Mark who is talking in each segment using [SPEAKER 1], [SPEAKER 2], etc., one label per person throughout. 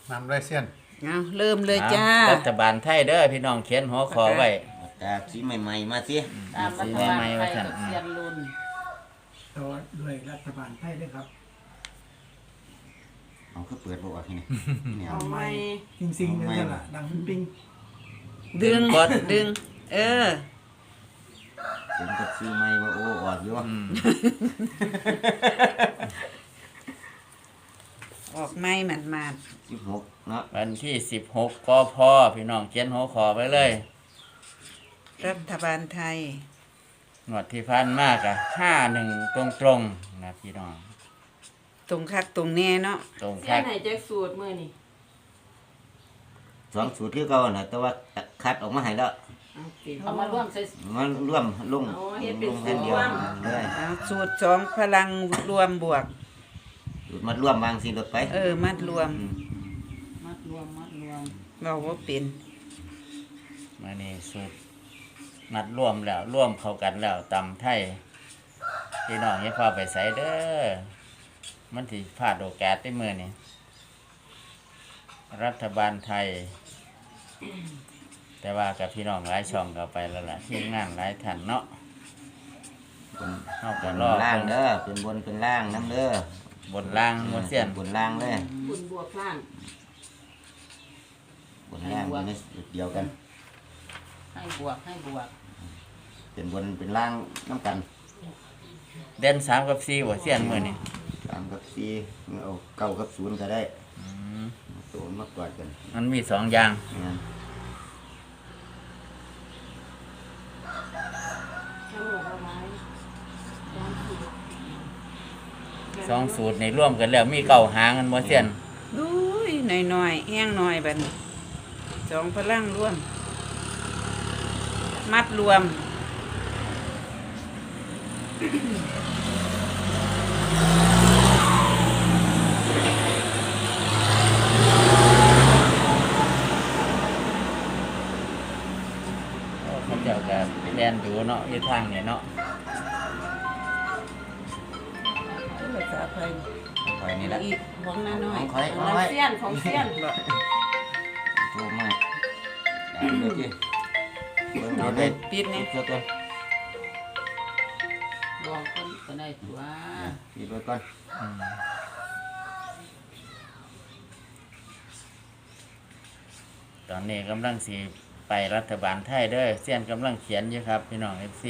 [SPEAKER 1] นำเลยเสี้ยน
[SPEAKER 2] เอาเริ่มเลยจ้า
[SPEAKER 3] รัฐบาลไทยเด้อพี่น้องเขียนหัวขอไว้
[SPEAKER 4] ตาสีใหม่ๆมาสิ
[SPEAKER 5] ตามรัฐบาลไทยกับเซียนรุ่น
[SPEAKER 6] ต่อด้วยรัฐบาลไทยด้วยครับ
[SPEAKER 4] เอาคือเปิดบ่ออกที่นี่เนี่ย
[SPEAKER 5] เอาไหม
[SPEAKER 6] จริงๆนั่นแหละดังปิ้ง
[SPEAKER 2] ดึงดึง เออ
[SPEAKER 4] เป็นกับสีใหม่ว่าโอ้ออกอยู่
[SPEAKER 2] ออกไม่หมัน
[SPEAKER 4] 16เนาะ
[SPEAKER 3] วันที่16กพพี่น้องเขียนหัวขอไว้เลย
[SPEAKER 2] รัฐบาลไทย
[SPEAKER 3] งวดที่พันมากอะ51ตรงๆนะพี่น้อง
[SPEAKER 2] ตรงคักตรงแน่เนาะ
[SPEAKER 3] ตรง
[SPEAKER 5] เซี
[SPEAKER 3] คั
[SPEAKER 5] ยน
[SPEAKER 3] ก
[SPEAKER 5] ไหนจะสูตรมือนี่
[SPEAKER 4] 2 สูตรคือเก่าน่ะแต่ว่าคัดออกมาให้แล้ว
[SPEAKER 5] เอามาร่วมใส่
[SPEAKER 4] มันร่วมลง
[SPEAKER 5] อ๋อเฮ็ดเป็น
[SPEAKER 4] ลงแค่เดียว
[SPEAKER 5] สูตรร่วม
[SPEAKER 4] เลย
[SPEAKER 2] เอาสูตร2พลังรวมบวก
[SPEAKER 4] สูตรมัดร่วมวางสิรถไป
[SPEAKER 2] มัดรวม
[SPEAKER 5] มัดรวม
[SPEAKER 2] เราว่าเป็น
[SPEAKER 3] มานี่สุดนัดร่วมแล้วร่วมเข้ากันแล้วตำไทยพี่น้องอย่าพาไปใส่เด้อมันสิพลาดโอกาสได้มื้อนี้รัฐบาลไทย แต่ว่ากับพี่น้องหลายช่องก็ไปแล้วล่ะทีมงานหลายท่านเนาะ
[SPEAKER 4] บน
[SPEAKER 3] เฮา
[SPEAKER 4] บ
[SPEAKER 3] ก็
[SPEAKER 4] น
[SPEAKER 3] รอ
[SPEAKER 4] ล่างเด้อเป็นบนเป็นล่างน้ำเด้อบ
[SPEAKER 3] นล่างบนเสียน
[SPEAKER 4] บนล่างเลย
[SPEAKER 5] บุญบวกล่าง
[SPEAKER 4] บนล่างอยู่ในเดียวกัน
[SPEAKER 5] ให้บวก
[SPEAKER 4] เป็นบนเป็นล่างน้ำกัน
[SPEAKER 3] เด่น3กับ4บ่เสียนมื้อนี้
[SPEAKER 4] 3กับ4เอา9กับ0ก็ได้ตัวมากกว่ากัน
[SPEAKER 3] มันมี2อย่าง
[SPEAKER 4] งั้น
[SPEAKER 5] ทั้งหมดเอาไว้
[SPEAKER 3] 2สูตรในร่วมกันแล้วมีเก้าหางกันบ่เสียน
[SPEAKER 2] ดูยหน่อยๆแห้งหน่อยบัดนี้2พลังรวม มัดรวม
[SPEAKER 3] เขาเจ้าก็แล่นอยู่เนาะอยู่ทางนี่เนาะ
[SPEAKER 2] ภาษาไทย
[SPEAKER 4] คอยนี่แหละ
[SPEAKER 2] อีกของน้าน้อย
[SPEAKER 4] คอย
[SPEAKER 5] ของเซียนของเซียน
[SPEAKER 4] โทรมาด่าเลยจีเบิ่งเอาได้
[SPEAKER 2] ปิดเนี่ย
[SPEAKER 4] เจ้าตัว
[SPEAKER 5] บอกคนก็ได้ตัว
[SPEAKER 4] ปิดไว้ก่อน
[SPEAKER 3] ตอนนี้กำลังสิไปรัฐบาลไทยเด้อเสียนกำลังเขียนอยู่ครับพี่น้อง FC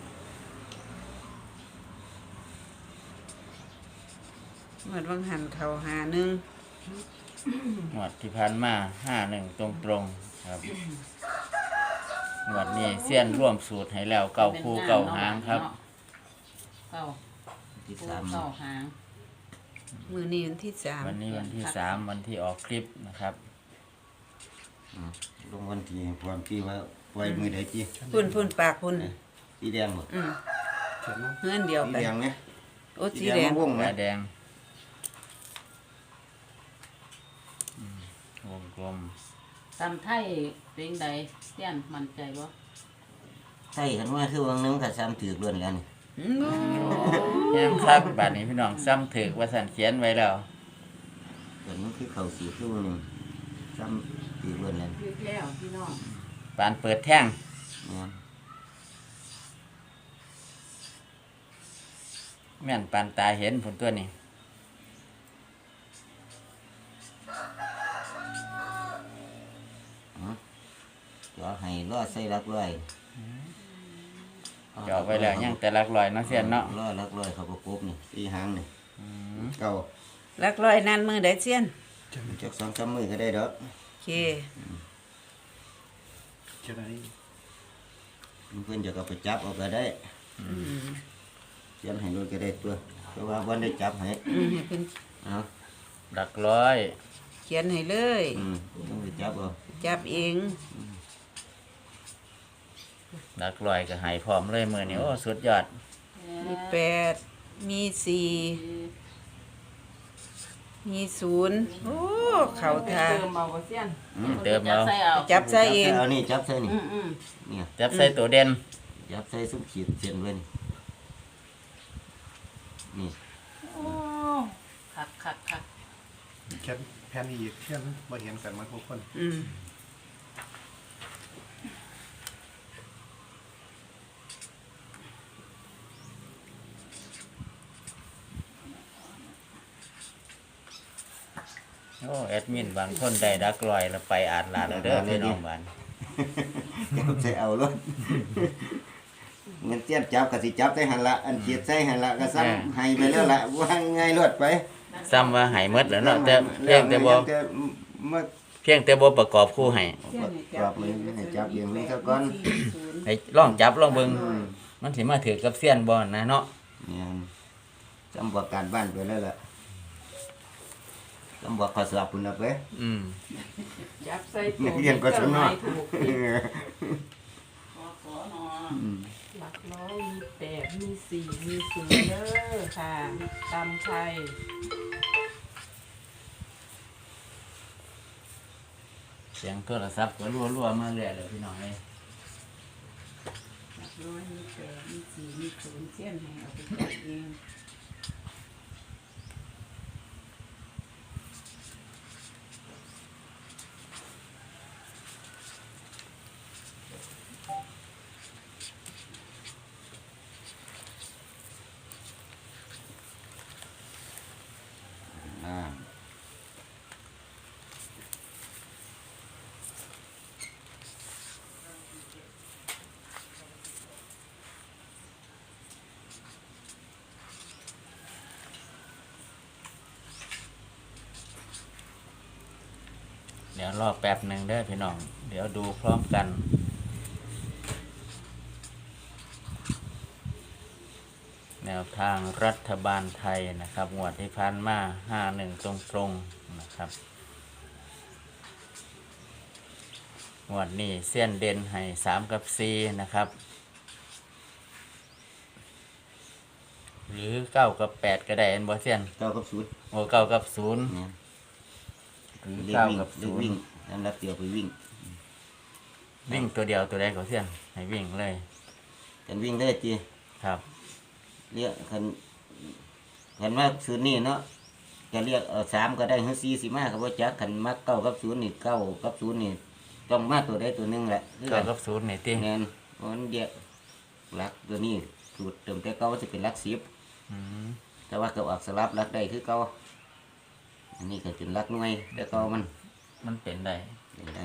[SPEAKER 2] หมดวังหันเขาหาหนึ่ง
[SPEAKER 3] งวดที่ผ่านมา51ตรงๆครับงวดนี้เสียนร่วมสูตรให้แล้วเก้าคู่เก้าหางครับ
[SPEAKER 5] เก้า
[SPEAKER 4] ที่
[SPEAKER 5] คู่
[SPEAKER 4] สาม
[SPEAKER 5] เก้าหาง
[SPEAKER 2] มือนี้วันที่3
[SPEAKER 3] วันนี้วันที่3วันที่ออกคลิปนะครับ
[SPEAKER 4] ลงวันที่ความที่ว่าไว้มือใดจี
[SPEAKER 2] พุ่นปากพุ่น
[SPEAKER 4] สีแดงหมด
[SPEAKER 2] เงื่อนเดียว
[SPEAKER 4] สี
[SPEAKER 2] ไป
[SPEAKER 4] แดงเนี่ย
[SPEAKER 2] โอ้สีแดง
[SPEAKER 4] วงไหม
[SPEAKER 3] แดงวงกลม
[SPEAKER 5] ตำไทยเป็นใดเซียนมั่นใจบ่
[SPEAKER 4] ใช่กันว่าคือวังนึงกับซ้ำถือล้วนแล้วนี่
[SPEAKER 3] แย้มครับบาดนี้พี่น้องซ้ำถึกว่าสันเขียนไว้แล้ว
[SPEAKER 4] แต่มันคือเขาสีคือวันนึงซ้ำถือล้วนแล้ว
[SPEAKER 5] ยึดแล้วพี่น้อง
[SPEAKER 3] ปานเปิดแท่ง
[SPEAKER 4] เนี่ย
[SPEAKER 3] แม่นปานตาเห็นผลตัวนี้
[SPEAKER 4] จ่อให้ล่อใส่รักร้อย
[SPEAKER 3] เจาะไว้แล้วยังแต่หลักลอยเนาะเสียนเนาะ
[SPEAKER 4] ล่อรักร้อยเขาประกบนี่ตีหางนี่เก่า
[SPEAKER 2] ลักร้อยนั่นมือได้เสียน
[SPEAKER 4] จาก2-3มือก็ได้ดอก
[SPEAKER 2] โอเค
[SPEAKER 1] จะได้
[SPEAKER 4] เพื่อนจะก็ไปจับเอาก็ได้เขียนให้รถก็ได้ตัวเพราะว่าวันได้จับให้
[SPEAKER 2] ให้เป็น
[SPEAKER 4] เอา
[SPEAKER 3] หลักร้อย
[SPEAKER 2] เขียนให้เลย
[SPEAKER 4] ต้องไปจับเอา
[SPEAKER 2] จับเอง
[SPEAKER 3] หลักร้อยก็ใหายพร้อมเลยมือนี้โอ้สุดยอด
[SPEAKER 2] มี8มี4มี0โอ้เข่าทา
[SPEAKER 5] เติมเอาบ่เซียน
[SPEAKER 3] เติมเอา
[SPEAKER 5] ใส่เอา
[SPEAKER 2] จับใส่เอง
[SPEAKER 4] เอานี่จับใส่นี่
[SPEAKER 5] อืม
[SPEAKER 4] เนี่ย
[SPEAKER 3] จับใส่ตัวเด่น
[SPEAKER 4] จับใส่ซุ้มขีดเส้นไว้นี่นี่
[SPEAKER 5] โอ้คัก
[SPEAKER 1] เขียนแผ่นอีกเชื่อมบ่เห็นกันหมาทุกคน
[SPEAKER 2] อืม
[SPEAKER 3] โอ้แอดมินบางคนได้ดักลอยแล้วไปอ่านลาแล้วเด้อพี่น้องบ้าน
[SPEAKER 4] จับใส่เอารถเงินเตี้ยนจับก็สิจับใส่หันละอันเขียดใส่หันละก็ซ้ำให้ไปแล้วละว่าง่ายรถไป
[SPEAKER 3] ซ้ำว่าใหายหมดแล้วเนาะแต่เพียงแต่บ่
[SPEAKER 4] เมื่อ
[SPEAKER 3] เพียงแต่บ่ประกอบคู่ให้
[SPEAKER 4] กรอบมันให้จับอย่างนี้ซะก่อน
[SPEAKER 3] ให้ลองจับลองเบิ่งมันสิมาถือกับเสี้ยนบ่นะเนาะ
[SPEAKER 4] เนี่ยจำบอกการบ้านไปแล้วล่ะจำบอกข้อสอบคุณนะไป
[SPEAKER 3] อืม
[SPEAKER 2] จับใส่
[SPEAKER 4] นักเรียนก็สนอ
[SPEAKER 2] ถูก
[SPEAKER 5] ขอขอนอ
[SPEAKER 2] หลักร้อยมี8มี4มี0เด้อค่ะตำไทย
[SPEAKER 3] เสียงโทรศัพท์ก็รัวๆมาเรื่อยเลยพี่น้องเอ้ย
[SPEAKER 2] หลักร้อยมี8มี4มี0เส้นให้เอาไปจับเอง
[SPEAKER 3] เดี๋ยวรอแป๊บหนึงเด้อพี่น้องเดี๋ยวดูพร้อมกันแนวทางรัฐบาลไทยนะครับงวดที่ผ่านมา51ตรงๆนะครับงวดนี้เส้นเด่นให้3กับ4นะครับหรือ9กับ8ก็ได้อันบ่เส้น
[SPEAKER 4] เก้ากับศูนย์
[SPEAKER 3] โอ้9กับ0
[SPEAKER 4] เนี่ย
[SPEAKER 3] หรือ
[SPEAKER 4] เรียก
[SPEAKER 3] 9
[SPEAKER 4] วิ่ง
[SPEAKER 3] กับ
[SPEAKER 4] เรียกวิ่งอันรับเดียวไปวิ่ง
[SPEAKER 3] 0วิ่งตัวเดียวตัวใดก็เส้นให้วิ่งเลย
[SPEAKER 4] กันวิ่งได้จี
[SPEAKER 3] ครับ
[SPEAKER 4] เรียกคันว่าศูนย์นี่เนาะจะเรียก3ก็ได้หรือ4สิมาก็บ่จักคันมักเก้ากับศูนย์นี่เก้ากับศูนย์นี่ต้องมาตัวใดตัวหนึงแหละคือ
[SPEAKER 3] 9กับ0นี่ติ
[SPEAKER 4] แม่นมันเดียวหลักตัวนี้สูตรเติมแต่เก้าจะเป็นหลัก10
[SPEAKER 3] อืม
[SPEAKER 4] แต่ว่าก็ออกสลับหลักได้คือเก่าอันนี้ก็เป็นหลักหน่วยแต่เก่ามัน
[SPEAKER 3] มันเป็นได้
[SPEAKER 4] เป็นได้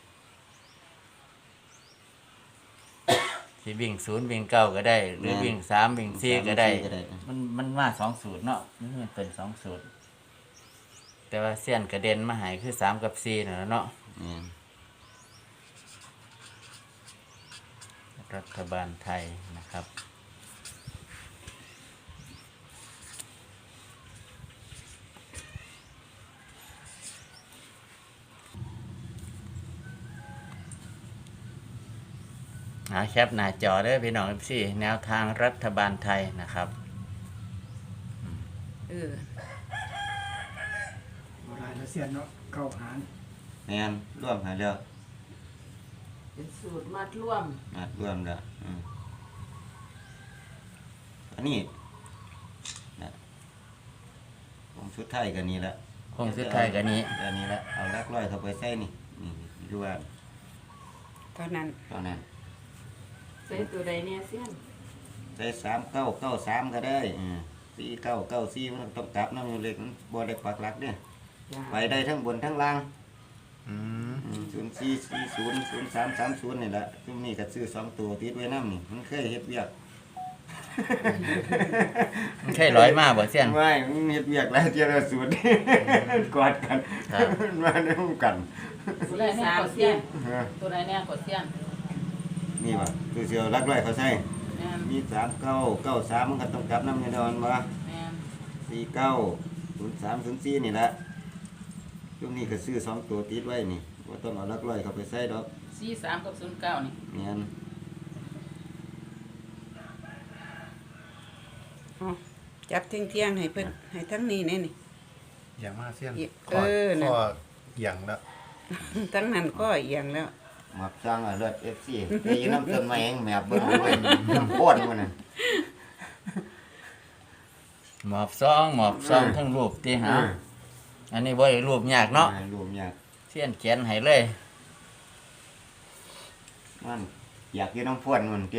[SPEAKER 3] สิวิ่ง0วิ่ง9ก็ได้ หรือวิ่ง3วิ่ง4ก็ได้ มันมา2สูตรเนาะมันเป็น2สูตรแต่ว่าเส้นกระเด็นมาใหายคือ3กับ4นั่นแหละเนาะ
[SPEAKER 4] เนี่ย
[SPEAKER 3] รัฐบาลไทยนะครับแคปหน้าจอเด้อพี่น้องพี่แนวทางรัฐบาลไทยนะครับ
[SPEAKER 2] เออ
[SPEAKER 6] โบราณเสียนเนาะเก้าหาร
[SPEAKER 4] แม่นร่วมหาแล้ว
[SPEAKER 5] เป็นสูตรมัดร่วม
[SPEAKER 4] มาร่วมแล้วอันนี้นะผมชุดไทยกันนี่ละ
[SPEAKER 3] คงสุดท้ายกันนี้
[SPEAKER 4] อันนี้ละเอาลักร้อยเข้าไปใส่นี่นี่ดูว่า
[SPEAKER 2] เท่านั้น
[SPEAKER 4] เท่านั้น
[SPEAKER 5] ใส่ตัวใดเนี่ยเสี้ยน
[SPEAKER 4] ใส่3 9 9 3ก็ได้4 9 9 4มันต้องกลับน้ำเล็กมันบ่ได้ปักหลักเนี่ย
[SPEAKER 2] จ้า
[SPEAKER 4] ไปได้ทั้งบนทั้งล่าง
[SPEAKER 3] อืม
[SPEAKER 4] 0440 0330นี่แหละซุมนี้ก็ซื้อ2ตัวติดไว้นำนี่มันเคยเฮ็ดเวียก
[SPEAKER 3] มันใช่ร้อยมากบ่เสี้ยน
[SPEAKER 4] ไม่มันเฮ็ดเวียกหลายเที่ยวแล้วสูตร กอดกัน
[SPEAKER 3] ครับ
[SPEAKER 4] มาในห้องกัน
[SPEAKER 5] ตัวใดแน่กดเสี้ยนตัวใดแน่กดเสี้ยน
[SPEAKER 4] นี่ว่ะคือเสียวรักร้อยเขาใส่
[SPEAKER 5] แม่น
[SPEAKER 4] มี39 93มันก็ต้องกลับนำแน่นอนบ่
[SPEAKER 5] แม่น
[SPEAKER 4] 49 03 04นี่แหละช่วงนี้ก็ซื้อ2ตัวติดไว้นี่บ่ต้องเอารักร้อยเข้าไปใส่ดอก
[SPEAKER 5] 43กับ09นี่
[SPEAKER 4] แม่น
[SPEAKER 2] เอาจับเที่ยงๆให้เพิ่นให้ทั้งนี้แน่นี่
[SPEAKER 1] อย่างมากเสี้ยน
[SPEAKER 2] เออน่ะ
[SPEAKER 1] ข้ออย่างแล้ว
[SPEAKER 2] ทั้งนั้นก็เอียงแล้ว
[SPEAKER 4] มักจังอ่ะเลือด FC ไปอยู่น้ำต้นไม้แห้งแมบเบิ่งเว้ยน้ำพ่นมันน่ะ
[SPEAKER 3] หมอบซองทั้งรูปที่หาอันนี้บ่ได้รูปยากเนาะ
[SPEAKER 4] รวมยาก
[SPEAKER 3] เสี้ยนเขียนให้เลย
[SPEAKER 4] มันอยากอยู่น้ำพ่วนมันเตี้ย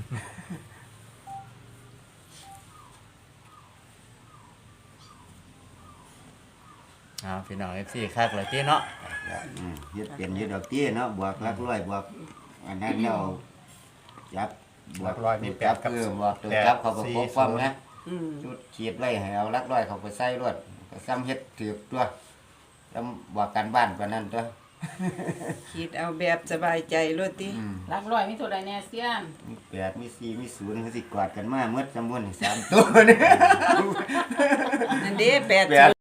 [SPEAKER 3] เอาพี่น้อง FC คักเลยติเนาะ
[SPEAKER 4] เฮ็ดเป็นอยู่ดอกเตี้ยเนาะบวกหลักร้อยบวกอันนั้นแล้วจับ
[SPEAKER 1] หลักร้อยมีแปดกับ
[SPEAKER 4] บวกตัวจับเขาก็
[SPEAKER 1] 4
[SPEAKER 4] ปกป้องนะ
[SPEAKER 2] อืม
[SPEAKER 4] จุดขีดไว้ให้เอาหลักร้อยเขาไปใส่รวดก็ซ้ำเฮ็ดถือตัวแล้วบอกกันบ้านกว่านั้นตัว
[SPEAKER 2] คิดเอาแบบสบายใจโลดติ
[SPEAKER 5] หลักร้อยมีตัวใดแน่เสี้ยน
[SPEAKER 4] มี8มี4มี0เขาสิกอดกันมาเมื่อจำนวน3ตัวนี่
[SPEAKER 2] นั่นเด้แปด